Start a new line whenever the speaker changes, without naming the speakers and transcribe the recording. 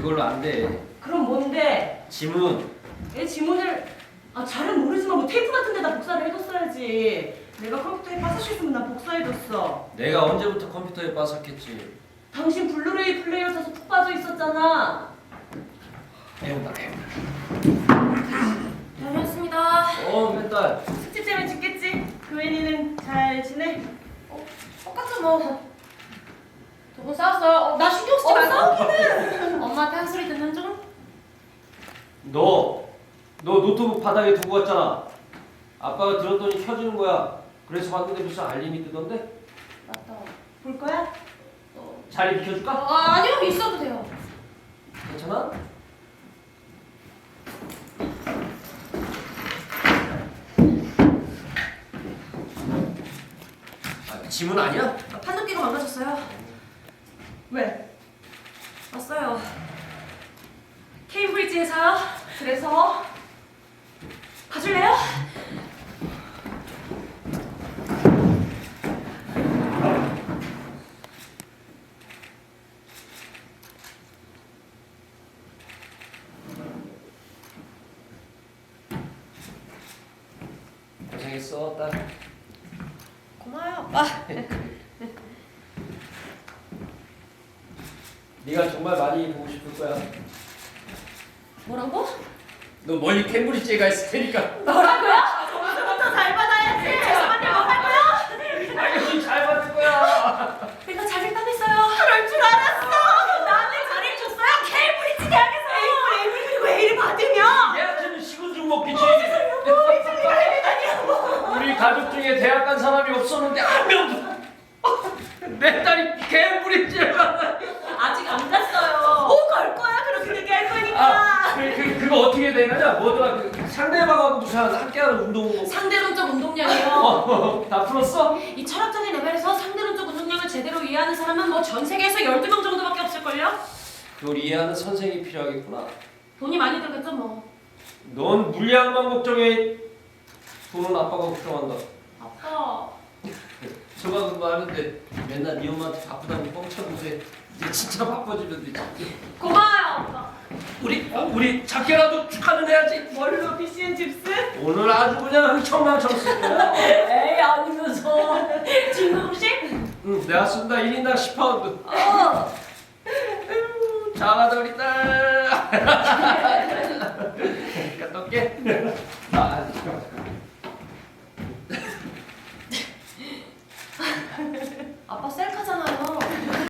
그걸로 안 돼.
그럼 뭔데?
지문.
내 지문을 잘은 모르지만 뭐 테이프 같은 데다 복사를 해뒀어야지. 내가 컴퓨터에 빠삭했으면 나 복사해뒀어.
내가 언제부터 컴퓨터에 빠삭했지?
당신 블루레이 플레이어 사서 푹 빠져 있었잖아.
애운다.
다녀왔습니다.
맨날.
숙제 때문에 죽겠지? 교인이는 잘 지내?
똑같죠 뭐. 두 분 싸웠어요. 나 신경 쓰지 말고. 싸우기는. 엄마한테 한 소리 듣는 중.
너 노트북 바닥에 두고 갔잖아. 아빠가 들었더니 켜지는 거야. 그래서 봤는데 무슨 알림이 뜨던데?
맞다.
볼 거야?
자리 비켜줄까?
아니요, 있어도 돼요.
괜찮아? 지문 아니야?
판독기가 망가졌어요.
왜?
왔어요. 케임브리지에서요.
그래서?
봐줄래요?
고생했어, 딸.
고마워요, 아빠.
네가 정말 많이 보고 싶을 거야.
뭐라고?
너 멀리 캠브리지에 가 있을 테니까.
뭐라고요?
점수부터 잘 받아야지. 죄송한데 뭐 할 거야?
당연히 잘 받을 거야.
내가 잘했다면서요.
그럴 줄 알았어.
나한테 잘해줬어요. 케임브리지 대학에서.
그리고 A를 받으면
얘한테는 식은죽 먹기지.
뭐.
우리 가족 중에 대학 간 사람이 없었는데 한 명도. 내 딸이 캠브리지에 가.
아직 안 갔어요. 갈 거야. 그렇게 얘기할 거니까.
그거 어떻게 되느냐? 뭐더라? 상대방하고 무슨 함께하는 운동.
상대론적 운동량이요.
다 풀었어?
이 철학적인 레벨에서 상대론적 운동량을 제대로 이해하는 사람은 뭐 전 세계에서 12명 정도밖에 없을걸요?
그걸 이해하는 선생이 필요하겠구나.
돈이 많이 들겠죠 뭐.
넌 물량만 걱정해. 돈은 아빠가 걱정한다.
아빠.
저만도 하는데 맨날 네 엄마한테 바쁘다고 뻥쳐보세. 이제 진짜 바빠지면 되지.
고마워요 아빠.
우리 작게라도 축하는 해야지.
뭘로 PCN 칩스?
오늘 아주 그냥 흥청망청 쓸 거야.
에이 아니면서.
진공식?
응, 내가 쓴다. 1인당 10파운드. 잘하다 우리 딸. 갔다 올게.
아빠 셀카잖아요.